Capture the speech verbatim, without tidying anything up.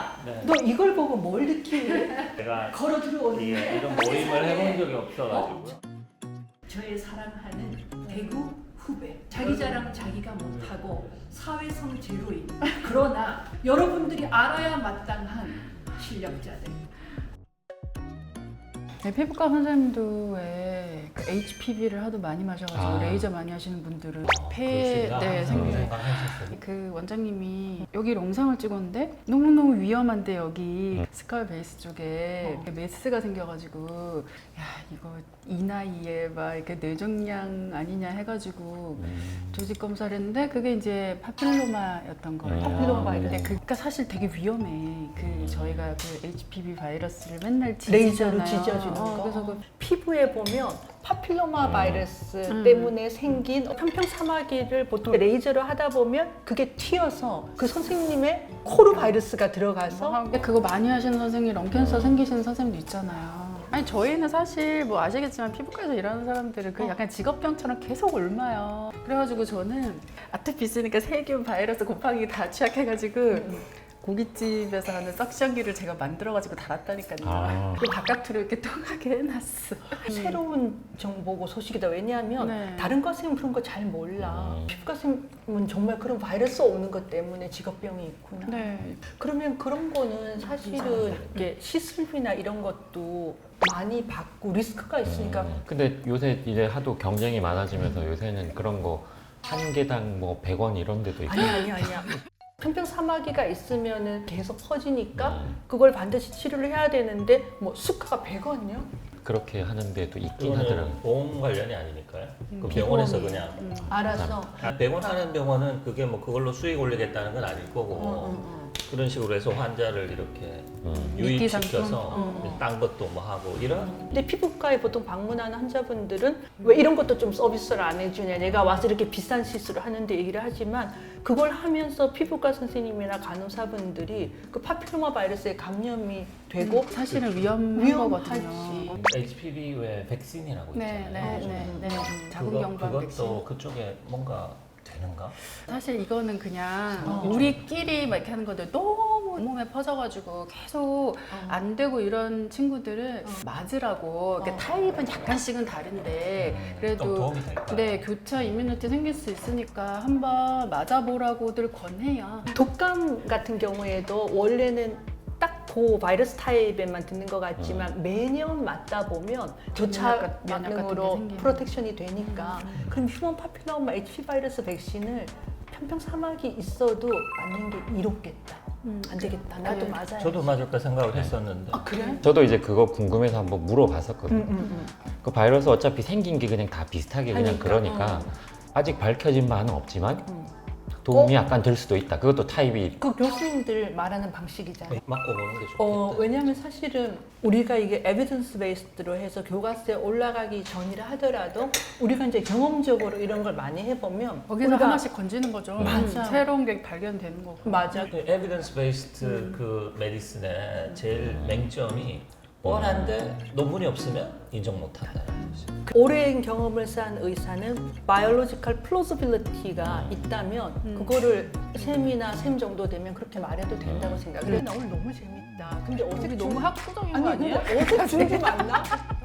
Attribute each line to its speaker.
Speaker 1: 야,
Speaker 2: 네.
Speaker 1: 너 이걸 보고 뭘 느끼니?
Speaker 2: 제가
Speaker 1: 걸어
Speaker 2: 이게
Speaker 1: 들어오는데
Speaker 2: 이런 모임을 해본 적이 없어가지고요.
Speaker 1: 저의 사랑하는 대구 후배. 자기 자랑 자기가 못하고 사회성 제로인. 그러나 여러분들이 알아야 마땅한 실력자들.
Speaker 3: 네, 피부과 선생님도 왜 그 에이치피비를 하도 많이 마셔가지고
Speaker 4: 아.
Speaker 3: 레이저 많이 하시는 분들은
Speaker 2: 어,
Speaker 3: 폐에
Speaker 2: 그러시구나.
Speaker 3: 네,
Speaker 2: 항상
Speaker 3: 생기는
Speaker 2: 생각하셨어요.
Speaker 3: 그 원장님이 여기 영상을 찍었는데 너무너무 위험한데 여기
Speaker 4: 음.
Speaker 3: 스칼 베이스 쪽에
Speaker 1: 어.
Speaker 3: 메스가 생겨가지고 야 이거 이 나이에 막 이렇게 뇌종양 아니냐 해가지고
Speaker 4: 음.
Speaker 3: 조직 검사를 했는데 그게 이제 파필로마였던 거예요.
Speaker 4: 음.
Speaker 1: 파필로마 바이러스.
Speaker 3: 근데 그러니까 사실 되게 위험해. 그 저희가 그 에이치피비 바이러스를 맨날
Speaker 1: 레이저로
Speaker 3: 지지잖아요.
Speaker 1: 지져주는
Speaker 3: 어,
Speaker 1: 거.
Speaker 3: 그래서 그
Speaker 1: 피부에 보면 파필로마
Speaker 4: 음.
Speaker 1: 바이러스
Speaker 3: 음.
Speaker 1: 때문에 생긴 편평사마귀를 보통 레이저로 하다 보면 그게 튀어서 그 선생님의 코로 바이러스가 들어가서
Speaker 3: 근데 그거 많이 하시는 선생님, 런캔서 생기시는 선생님도 있잖아요. 아니 저희는 사실 뭐 아시겠지만 피부과에서 일하는 사람들은 그
Speaker 1: 어.
Speaker 3: 약간 직업병처럼 계속 옮아요. 그래가지고 저는 아토피 있으니까 세균, 바이러스, 곰팡이 다 취약해가지고 고깃집에서 하는 석션기를 제가 만들어가지고 달았다니까요.
Speaker 4: 아.
Speaker 3: 그 바깥으로 이렇게 통하게 해놨어.
Speaker 1: 새로운 정보고 소식이다. 왜냐하면
Speaker 3: 네.
Speaker 1: 다른 과생은 그런 거 잘 몰라.
Speaker 4: 음.
Speaker 1: 피부과생은 정말 그런 바이러스 오는 것 때문에 직업병이 있구나.
Speaker 3: 네.
Speaker 1: 그러면 그런 거는 사실은 이게 시술비나 이런 것도 많이 받고 리스크가 있으니까
Speaker 4: 음. 근데 요새 이제 하도 경쟁이 많아지면서 요새는 그런 거 한 개당 뭐 백 원 이런 데도 있고.
Speaker 1: 아니 아니 아니야. 편평사마귀가 있으면은 계속 퍼지니까
Speaker 4: 음.
Speaker 1: 그걸 반드시 치료를 해야 되는데 뭐 수가가 백 원이요?
Speaker 4: 그렇게 하는 데도 있긴 하더라고요.
Speaker 2: 그거는 보험 관련이 아니니까요. 그
Speaker 1: 비보험이.
Speaker 2: 병원에서 그냥
Speaker 3: 음.
Speaker 1: 알아서.
Speaker 2: 아, 병원 하는 병원은 그게 뭐 그걸로 수익 올리겠다는 건 아닐 거고
Speaker 1: 어, 어, 어.
Speaker 2: 그런 식으로 해서 환자를 이렇게
Speaker 4: 음.
Speaker 2: 유입시켜서
Speaker 1: 어, 어.
Speaker 2: 딴 것도 뭐 하고 이런
Speaker 1: 근데 피부과에 보통 방문하는 환자분들은 왜 이런 것도 좀 서비스를 안 해주냐, 내가 와서 이렇게 비싼 시술을 하는데 얘기를 하지만 그걸 하면서 피부과 선생님이나 간호사분들이 그 파필로마 바이러스에 감염이 되고
Speaker 3: 사실은 위험한
Speaker 1: 위험하지.
Speaker 3: 거거든요.
Speaker 2: 에이치피비 외 백신이라고
Speaker 3: 네,
Speaker 2: 있잖아요.
Speaker 3: 네, 네, 네.
Speaker 1: 음.
Speaker 3: 자궁경부암
Speaker 2: 그거,
Speaker 3: 백신.
Speaker 2: 그것도 그쪽에 뭔가 되는가?
Speaker 3: 사실 이거는 그냥
Speaker 1: 어.
Speaker 3: 우리끼리 막 이렇게 하는 건데 너무 몸에 퍼져가지고 계속 안 되고 이런 친구들은
Speaker 1: 어.
Speaker 3: 맞으라고. 그러니까
Speaker 1: 어.
Speaker 3: 타입은 약간씩은 다른데
Speaker 2: 음, 좀
Speaker 3: 그래도
Speaker 2: 도움이 될까?
Speaker 3: 네 교차 이뮤니티 생길 수 있으니까 한번 맞아보라고들 권해요.
Speaker 1: 독감 같은 경우에도 원래는 딱 그 바이러스 타입에만 듣는 것 같지만 매년 맞다 보면 교차
Speaker 3: 면역 같- 면역 같은 게
Speaker 1: 반응으로
Speaker 3: 생기는.
Speaker 1: 프로텍션이 되니까 그럼 휴먼 파필로마 에이치피비 바이러스 백신을 편평사막이 있어도 맞는 게 이롭겠다.
Speaker 3: 음.
Speaker 1: 안 되겠다. 나도
Speaker 3: 네.
Speaker 1: 맞아야
Speaker 2: 저도 맞을까 생각을 했었는데
Speaker 1: 아 그래?
Speaker 4: 저도 이제 그거 궁금해서 한번 물어봤었거든요.
Speaker 1: 응, 응, 응.
Speaker 4: 그 바이러스 어차피 생긴 게 그냥 다 비슷하게 그냥
Speaker 1: 하니까,
Speaker 4: 그러니까
Speaker 1: 어.
Speaker 4: 아직 밝혀진 바는 없지만
Speaker 1: 응.
Speaker 4: 도움이
Speaker 1: 어?
Speaker 4: 약간 될 수도 있다. 그것도 타입이
Speaker 1: 그 교수님들 말하는 방식이잖아.
Speaker 2: 맞고 보는 게 좋겠다.
Speaker 1: 어, 왜냐하면 사실은 우리가 이게 에비던스 베이스드로 해서 교과서에 올라가기 전이라 하더라도 우리가 이제 경험적으로 이런 걸 많이 해보면
Speaker 3: 거기서
Speaker 1: 우리가-
Speaker 3: 하나씩 건지는 거죠.
Speaker 1: 맞아.
Speaker 3: 새로운 게 발견되는 거고.
Speaker 1: 맞아.
Speaker 2: 에비던스 베이스드 그 메디슨의 제일 맹점이 뻔한데 논문이 없으면 인정 못한다는 거지.
Speaker 1: 오랜 경험을 쌓은 의사는 바이올로지컬 플로저빌리티가 있다면
Speaker 3: 음.
Speaker 1: 그거를 셈이나 셈 정도 되면 그렇게 말해도 된다고 생각해.
Speaker 3: 그래.
Speaker 1: 나 오늘 너무 재밌다. 근데 어색
Speaker 3: 우리
Speaker 1: 중-
Speaker 3: 너무 학구적인 거
Speaker 1: 아니
Speaker 3: 아니에요?
Speaker 1: 근데 어색 중이 맞나?